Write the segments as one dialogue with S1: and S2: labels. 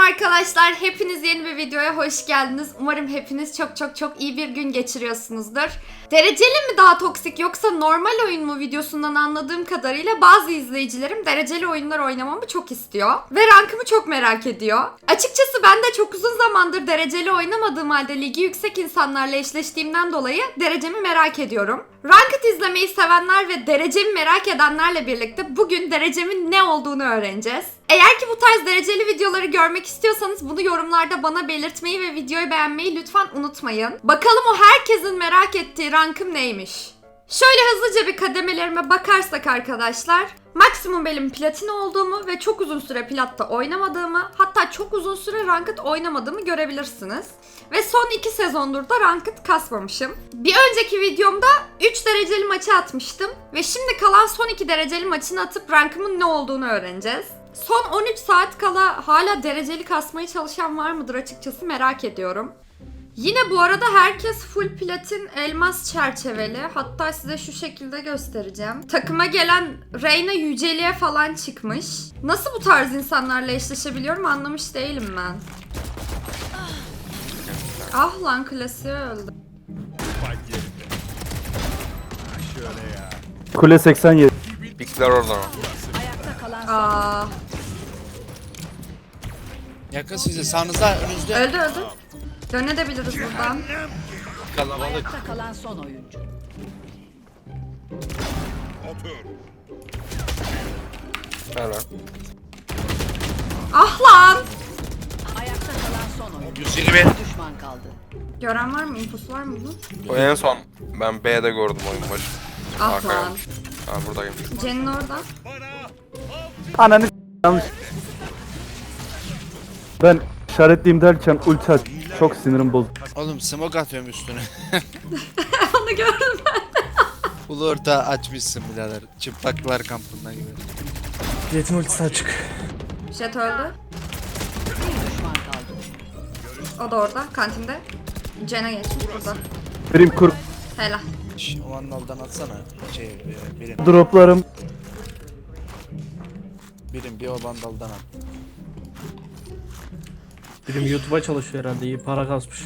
S1: arkadaşlar, hepiniz yeni bir videoya hoş geldiniz. Umarım hepiniz çok iyi bir gün geçiriyorsunuzdur. Dereceli mi daha toksik yoksa normal oyun mu videosundan anladığım kadarıyla bazı izleyicilerim dereceli oyunlar oynamamı çok istiyor. Ve rankımı çok merak ediyor. Açıkçası ben de çok uzun zamandır dereceli oynamadığım halde ligi yüksek insanlarla eşleştiğimden dolayı derecemi merak ediyorum. Ranked izlemeyi sevenler ve derecemi merak edenlerle birlikte bugün derecemin ne olduğunu öğreneceğiz. Eğer ki bu tarz dereceli videoları görmek istiyorsanız bunu yorumlarda bana belirtmeyi ve videoyu beğenmeyi lütfen unutmayın. Bakalım o herkesin merak ettiği rankım neymiş? Şöyle hızlıca bir kademelerime bakarsak arkadaşlar, maksimum benim platin olduğumu ve çok uzun süre platta oynamadığımı, hatta çok uzun süre ranked oynamadığımı görebilirsiniz. Ve son 2 sezondur da ranked kasmamışım. Bir önceki videomda 3 dereceli maçı atmıştım ve şimdi kalan son 2 dereceli maçını atıp rankımın ne olduğunu öğreneceğiz. Son 13 saat kala hala dereceli kasmaya çalışan var mıdır açıkçası merak ediyorum. Yine bu arada herkes full platin elmas çerçeveli. Hatta size şu şekilde göstereceğim. Takıma gelen Reyna yüceliğe falan çıkmış. Nasıl bu tarz insanlarla eşleşebiliyorum anlamış değilim ben. Ah lan, klasiği öldü.
S2: Kule 87.
S3: Pikler orada mı?
S1: Aa,
S4: Yakın size, sağınızda, önünüzde.
S1: öldü. Dönebiliriz buradan.
S4: Kalabalık.
S5: Ayakta kalan son oyuncu.
S3: Evet.
S1: Ah lan!
S5: Ayakta kalan son oyuncu.
S4: 120.
S5: Düşman kaldı.
S1: Gören var mı? İnfosu var mı bunun?
S3: O en son ben B'de gördüm oyun başı.
S1: Ah
S3: Arkaya.
S1: lan.
S3: Ha buradayım.
S1: Cen'in orada.
S2: Ananı yanlış. Ben işaretliyim derken ulti aç. Çok sinirim bozuldu.
S4: Oğlum smoke atıyorum üstüne.
S1: Onu gördüm ben.
S4: Ulu orta açmışsın birader. Çıplaklar kampında gibi.
S6: Jet'in ultisi açık.
S1: Jet öldü.
S5: Bir düşman kaldı.
S1: O da orada, kantinde. Cen'e geçmiş burada.
S2: Birim kur
S1: Helal.
S4: Şş, o vandaldan atsana. Birim.
S2: droplarım.
S4: Birim bir o vandaldan at.
S6: Birim YouTube'a çalışıyor herhalde, iyi para kasmış.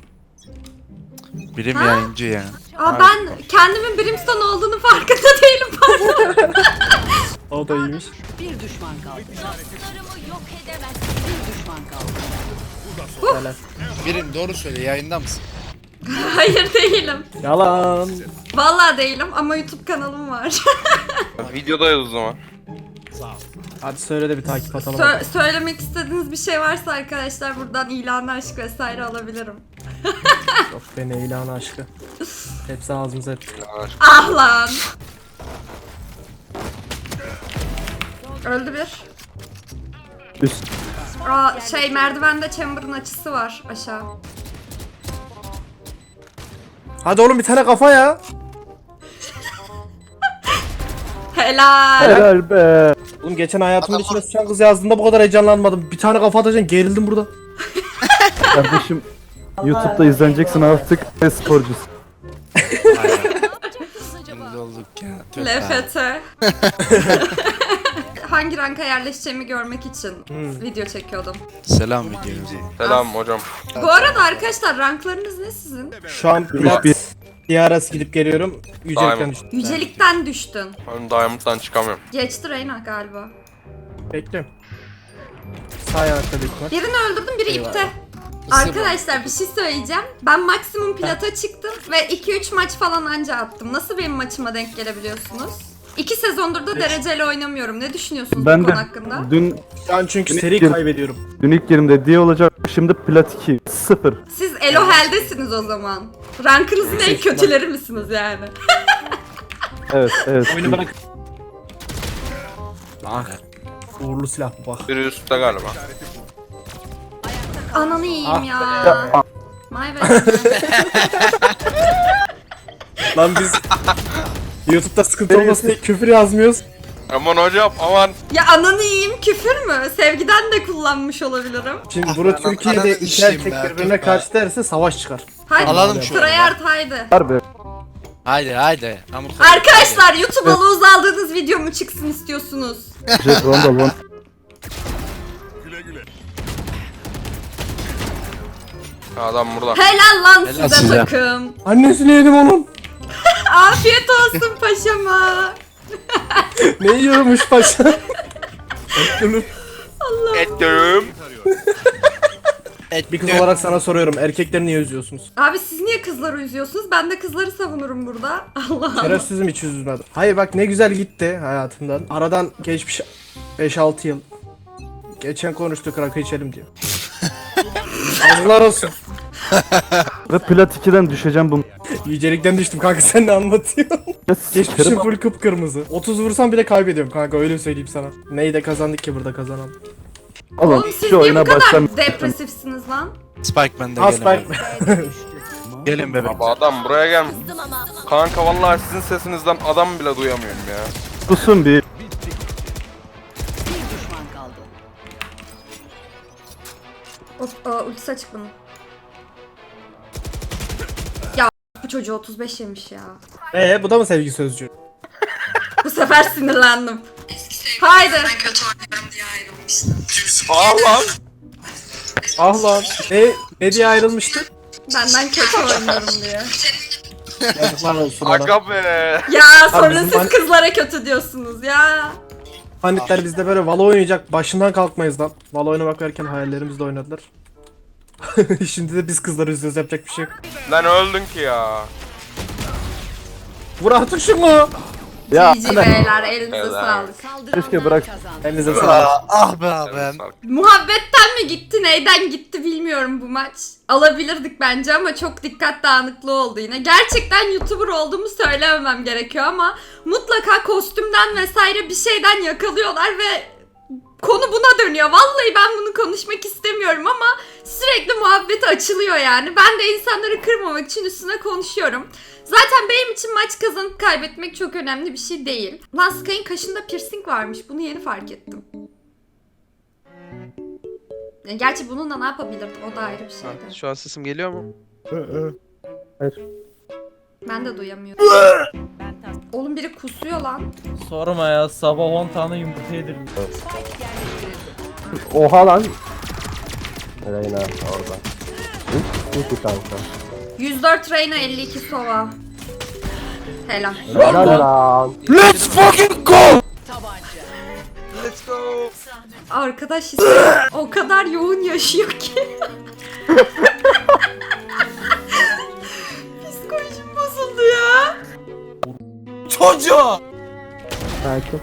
S4: Birim
S1: Ha?
S4: yayıncı ya.
S1: Aa, ben kendimin Brimstone olduğunu farkında değilim, pardon.
S6: O da iyiymiş.
S5: Bir düşman kaldı. Dostlarımı yok edemez. Bir düşman kaldı.
S6: Helal.
S4: Birim doğru söyle, yayında mısın?
S1: Hayır değilim.
S6: Yalan.
S1: Vallahi değilim ama YouTube kanalım var.
S3: Videodayız o zaman.
S6: Hadi söyle de bir takip atalım.
S1: Söylemek istediğiniz bir şey varsa arkadaşlar buradan ilan, aşk vesaire alabilirim.
S6: Yok beni ilan aşkı. Hepsi ağzımıza ettik.
S1: Ah lan. Öldü bir.
S2: Üst.
S1: Aa, merdivende chamber'ın açısı var aşağı.
S6: Hadi oğlum bir tane kafa ya.
S1: Helal.
S2: Helal be.
S6: Oğlum geçen hayatımın içine sıçan kız yazdığında bu kadar heyecanlanmadım. Bir tane kafa atacaksın, gerildim burada.
S2: Kardeşim YouTube'da izleneceksin artık ve sporcusun.
S4: Şimdi olduk ya. Tüh.
S1: LFT. Hangi ranka yerleşeceğimi görmek için video çekiyordum.
S4: Selam videomuza.
S3: Selam hocam.
S1: Bu arada arkadaşlar ranklarınız ne sizin?
S6: Şu an plat DRS gidip geliyorum. Yücelikten
S3: Diamond.
S6: düştüm.
S1: Yücelikten düştün.
S3: Ben Diamond'dan çıkamıyorum.
S1: Geçti Reyna galiba.
S6: Bekliyorum. Sağ ayakta büyük ihtimal.
S1: Birini öldürdüm, biri ipte. Arkadaşlar bir şey söyleyeceğim. Ben maksimum plata çıktım ve 2-3 maç falan anca attım. Nasıl benim maçıma denk gelebiliyorsunuz? 2 sezondur da dereceli oynamıyorum. Ne düşünüyorsunuz bu
S2: Ben
S1: konu
S2: de
S1: hakkında?
S2: dün
S6: Şu an çünkü
S2: Dün
S6: seri
S2: ilk-
S6: kaybediyorum.
S2: ilk yerimde diye olacak. Şimdi plat 2 0.
S1: Siz Elohel'desiniz o zaman. Rankınızın en kötüleri misiniz yani?
S2: Evet.
S6: Oyunu bırak. Bak. Uğurlu silah bu bak.
S3: Biri üstte galiba.
S1: Ananı yiyeyim ya.
S2: Ya,
S1: My bad.
S6: Lan biz YouTube'da sıkıntı olmasın diye küfür yazmıyoruz.
S3: Aman hocam aman.
S1: Ya ananı yiyeyim küfür mü? Sevgiden de kullanmış olabilirim.
S6: Şimdi burada Türkiye'de
S4: ananı
S6: iki
S4: işeyim
S6: erkek
S4: be,
S6: birbirine
S4: tut
S6: karşı derse savaş çıkar.
S1: Haydi.
S4: Alalım şu
S1: Tryhard haydi.
S2: harbi.
S4: Haydi.
S1: Arkadaşlar YouTube'a lose aldığınız video mu çıksın istiyorsunuz?
S2: Jet Rondal one.
S3: Adam burada.
S1: Helal lan
S4: Helal
S1: size
S4: size.
S1: takım.
S6: Annesini yedim onun.
S1: Afiyet olsun paşama.
S6: Ne yiyormuş paşa?
S3: Ettim.
S6: Bir kız olarak sana soruyorum. Erkekleri niye üzüyorsunuz?
S1: Abi siz niye kızları üzüyorsunuz? Ben de kızları savunurum burada. Allah Allah.
S6: Şerefsizim hiç üzülmedim. Hayır bak ne güzel gitti hayatımdan. Aradan geçmiş 5-6 yıl. Geçen konuştuk rakı içelim diyor. Azlar olsun.
S2: Ve plat 2'den düşeceğim bunu.
S6: Yücelikten düştüm kanka sen ne anlatıyorsun? Geçmişim
S2: Sikerim.
S6: full kıpkırmızı. 30 vursam bile kaybediyorum kanka öyle söyleyeyim sana. Neyi de kazandık ki burada kazanan.
S2: Oğlum
S1: Oğlum siz
S2: şu
S1: niye bu
S2: oyuna
S1: kadar
S2: başlam.
S1: depresifsiniz lan?
S4: Spike bende
S6: Ha
S4: gelin.
S6: Spike.
S4: bebek. Gelin bebek.
S3: Abi adam buraya gelmiş. Kanka vallahi sizin sesinizden adam bile duyamıyorum ya.
S2: Susun bir.
S5: Bir düşman kaldı.
S1: Ultisi açık bunun. Ya bu çocuğu 35 yemiş ya.
S6: Bu da mı sevgi sözcüğü?
S1: Bu sefer sinirlendim. Haydi.
S3: Allah.
S6: Ah lan. Ne diye ayrılmıştı?
S1: Benden kötü oynuyorum diye.
S6: Yazıklar olsun ona.
S3: Aga be.
S1: Ya sonra
S6: bizim
S1: siz kızlara kötü diyorsunuz ya.
S6: Panitler bizde böyle Valo oynayacak başından kalkmayız lan. Valo oynamak varken hayallerimizde oynadılar. Şimdi de biz kızları üzüyoruz yapacak bir şey yok.
S3: Lan öldün ki ya.
S6: Vur artık şunu.
S2: Ya
S1: GG beyler elinize
S3: Helal.
S1: sağlık.
S2: keşke bırak.
S6: Elinize sağlık.
S4: Ah be abim.
S1: Muhabbetten mi gitti neyden gitti bilmiyorum bu maç. Alabilirdik bence ama çok dikkat dağınıklığı oldu yine. Gerçekten YouTuber olduğumu söylememem gerekiyor ama mutlaka kostümden vesaire bir şeyden yakalıyorlar ve konu buna dönüyor. Vallahi ben bunu konuşmak istemiyorum ama sürekli muhabbeti açılıyor yani. Ben de insanları kırmamak için üstüne konuşuyorum. Zaten benim için maç kazanıp kaybetmek çok önemli bir şey değil. Lan Sky'ın kaşında piercing varmış. Bunu yeni fark ettim. Yani gerçi bununla ne yapabilirdim? O da ayrı bir şeydi.
S7: Şu an sesim geliyor mu?
S1: Ben de duyamıyorum. Oğlum biri kusuyor lan.
S8: Sorma ya, sabah 10 tane yumurta yedirdim.
S2: Oha lan. Reyna orada. Hiç kanka.
S1: 104 Reyna 52 Sova. Helal.
S2: Helal lan.
S4: Let's fucking go!
S3: Let's go.
S1: Arkadaş o kadar yoğun yaşıyor ki. Psikolojim bozuldu ya.
S4: Çocuğu!
S2: Sakin.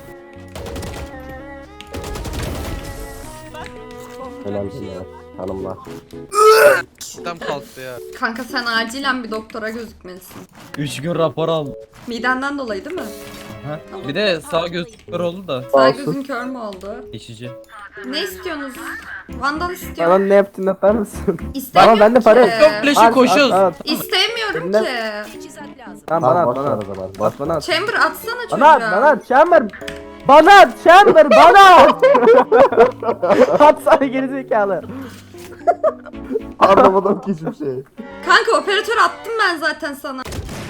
S2: Önemli ya. Hanımlar.
S7: Tam kalktı ya.
S1: Kanka sen acilen bir doktora gözükmelisin.
S8: 3 gün rapor aldım.
S1: Midenden dolayı değil mi?
S8: Ha? Bir de sağ göz kör oldu da
S1: Sağ
S2: olsun.
S1: gözün kör mü oldu?
S8: geçici.
S1: Ne istiyorsunuz? Vandal
S2: Bana
S1: istiyorum.
S2: ne yaptın yapar mısın?
S1: İstemiyorum
S2: Bana bende para yok.
S1: ki.
S8: Yok flash'ı koşuyoruz.
S1: İstemiyorum
S2: Dinle.
S1: ki.
S5: Teçhizat lazım.
S2: Tamam bana at bana at. Bas bana at.
S1: Chamber atsana çocuğa.
S2: Bana at bana at Chamber. Bana at Chamber bana at. Atsana gerizekalı. Anlamadım ki hiçbir şey.
S1: Kanka operatör attım ben zaten sana.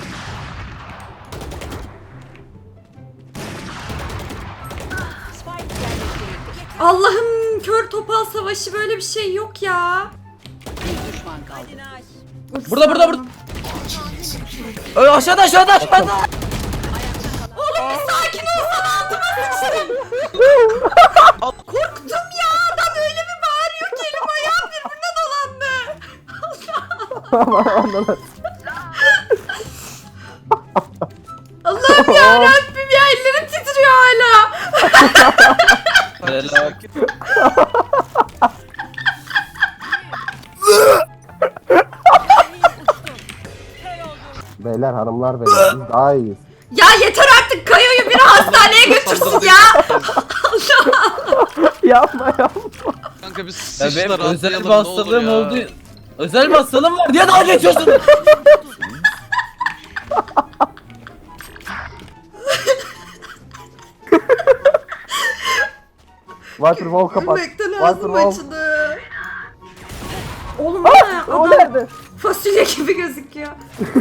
S5: Spike yerleştirildi.
S1: Allah'ım kör topal savaşı böyle bir şey yok ya.
S5: Bir düşman kaldı.
S8: Burada, burada, burada. Aşağıda aşağıda aşağıda.
S1: Oğlum bir sakin olsana altıma sıçtım. Korktum ya adam öyle bir bağırıyor ki elim ayağım birbirine dolandı. Allah'ım ya Rabbim ya ellerim titriyor hala.
S8: Helal.
S2: Beyler hanımlar beyler biz daha iyiyiz.
S1: Ya yeter artık Kayo'yu biri hastaneye götürsün ya.
S2: Yapma yapma.
S7: Kanka biz
S8: Ya benim
S7: sıçtılar
S8: özel bir
S7: atlayalım ne olur
S8: hastalığım
S7: ya.
S8: oldu. Özel bir hastalığım var diye dalga geçiyorsun.
S2: Waterfall kapat.
S1: Gülmekten ağzım
S2: Waterfall.
S1: açıldı. Oğlum bu ne?
S2: O
S1: Adam
S2: nerede?
S1: fasulye gibi gözüküyor.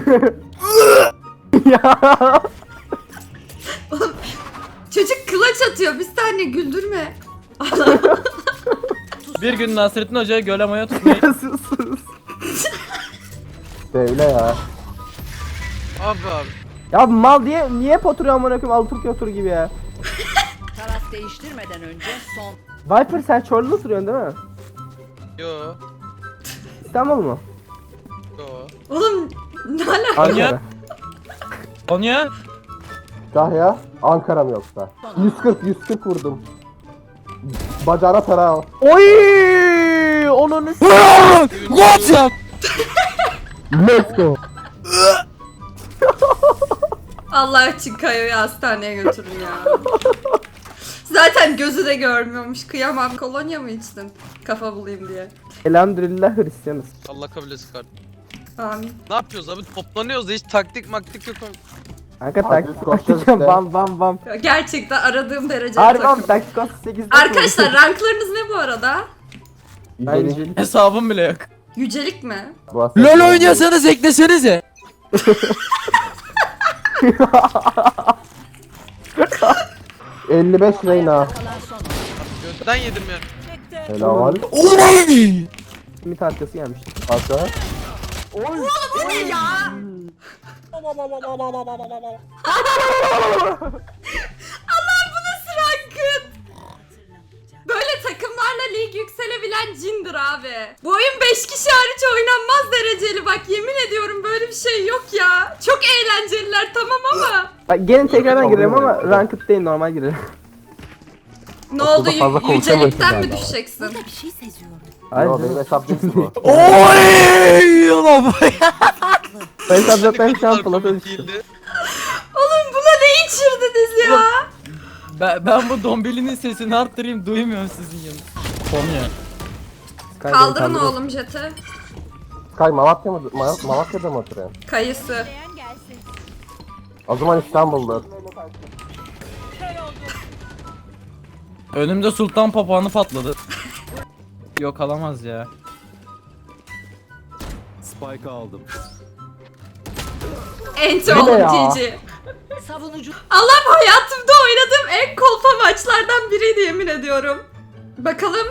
S2: Ya.
S1: Çocuk kılaç atıyor. Bir saniye güldürme.
S8: Bir gün Nasrettin Hoca'ya göle maya tutmayı
S2: Sus sus. Söyle ya.
S7: Abi.
S2: Ya mal diye niye hep oturuyor amına koyayım Alaturka otur gibi ya.
S5: Taraf değiştirmeden önce son.
S2: Viper sen Çorlu'da oturuyorsun değil mi?
S7: Yo.
S2: İstanbul mu?
S7: Yo.
S1: Oğlum ne alaka?
S2: Ankara.
S8: Konya.
S9: Kahya, Ankara mı yoksa? 140 vurdum. Bacağına para al.
S2: Oy! Onun
S4: What ya?
S9: Let's go.
S1: Allah için Kayo'yu hastaneye götürün ya. Zaten gözü de görmüyormuş. Kıyamam. Kolonya mı içtin? Kafa bulayım diye.
S2: Elhamdülillah Hristiyanız.
S7: Allah kabul etsin kardeşim.
S1: Amin.
S7: Ne yapıyoruz abi? Toplanıyoruz da hiç taktik maktik yok.
S2: Kanka
S9: Hadi
S2: taktik
S9: koşacağız
S2: taktik
S9: işte.
S2: bam bam bam.
S1: Gerçekten aradığım derecede
S2: Harbi
S1: takım.
S2: taktik 8'de.
S1: Arkadaşlar ranklarınız ne bu arada?
S2: Bence.
S8: Hesabım bile yok.
S1: Yücelik mi?
S4: LOL oynuyorsanız eklesenize.
S9: ...55 Reyna.
S5: Kalan son.
S7: Götten yedim ya.
S9: Helal.
S4: Oy!
S2: Simit arkası gelmiş.
S9: Asa.
S1: Bu ne ya? Allah bu nasıl rankın? Böyle takımlarla lig yükselebilen cindir abi. Bu oyun 5 kişi hariç oynanmaz dereceli bak yemin ediyorum böyle bir şey yok ya. Çok eğlenceliler tamam ama.
S2: Bak gene tekrardan girelim ama ranked değil normal girelim.
S1: Ne oldu
S9: fazla konuşamıyorsun
S1: yücelikten mi
S9: galiba.
S1: düşeceksin?
S5: Bir şey seziyorum.
S2: Hayır.
S9: Yo benim hesap değil bu.
S4: Oy! Ulan bu-
S2: Ben sabzattan şu an
S7: Bunlar
S2: plata
S7: komik
S2: düştüm.
S7: değildi.
S1: Oğlum buna ne içirdiniz ya?
S8: Ben bu dombilinin sesini arttırayım duymuyorum sizin yanınızda. Konya.
S1: Kaldırın oğlum jeti.
S9: Sky Malatya mı? Malatya'da mı oturuyorsun?
S1: Kayısı.
S9: O zaman İstanbul'da.
S8: Önümde sultan papağanı patladı. Yok alamaz ya.
S1: Enti
S2: Bu ne
S1: oğlum
S2: ya?
S1: GG.
S5: Savunucu
S1: Allah'ım hayatımda oynadığım en kolpa maçlardan biriydi yemin ediyorum. Bakalım.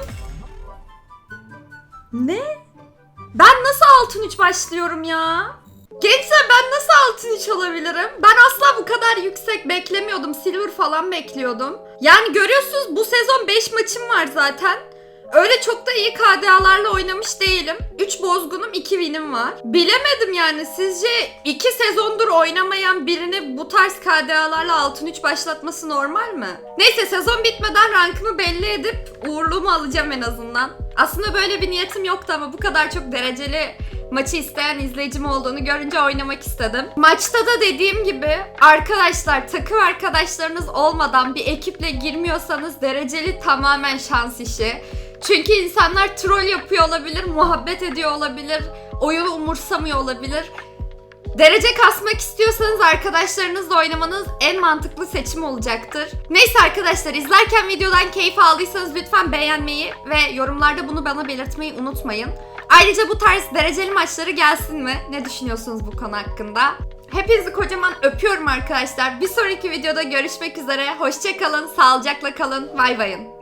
S1: Ne? Ben nasıl altın 3 başlıyorum ya? Gençler ben nasıl altın 3 olabilirim? Ben asla bu kadar yüksek beklemiyordum. Silver falan bekliyordum. Yani görüyorsunuz bu sezon 5 maçım var zaten. Öyle çok da iyi KDA'larla oynamış değilim. 3 bozgunum 2 win'im var. Bilemedim yani sizce 2 sezondur oynamayan birini bu tarz KDA'larla altın 3 başlatması normal mi? Neyse sezon bitmeden rankımı belli edip uğurluğumu alacağım en azından. Aslında böyle bir niyetim yoktu ama bu kadar çok dereceli maçı isteyen izleyicim olduğunu görünce oynamak istedim. Maçta da dediğim gibi arkadaşlar takım arkadaşlarınız olmadan bir ekiple girmiyorsanız dereceli tamamen şans işi. Çünkü insanlar troll yapıyor olabilir, muhabbet ediyor olabilir, oyunu umursamıyor olabilir. Derece kasmak istiyorsanız arkadaşlarınızla oynamanız en mantıklı seçim olacaktır. Neyse arkadaşlar izlerken videodan keyif aldıysanız lütfen beğenmeyi ve yorumlarda bunu bana belirtmeyi unutmayın. Ayrıca bu tarz dereceli maçları gelsin mi? Ne düşünüyorsunuz bu konu hakkında? Hepinizi kocaman öpüyorum arkadaşlar. Bir sonraki videoda görüşmek üzere. Hoşça kalın, sağlıcakla kalın. Bay bayın.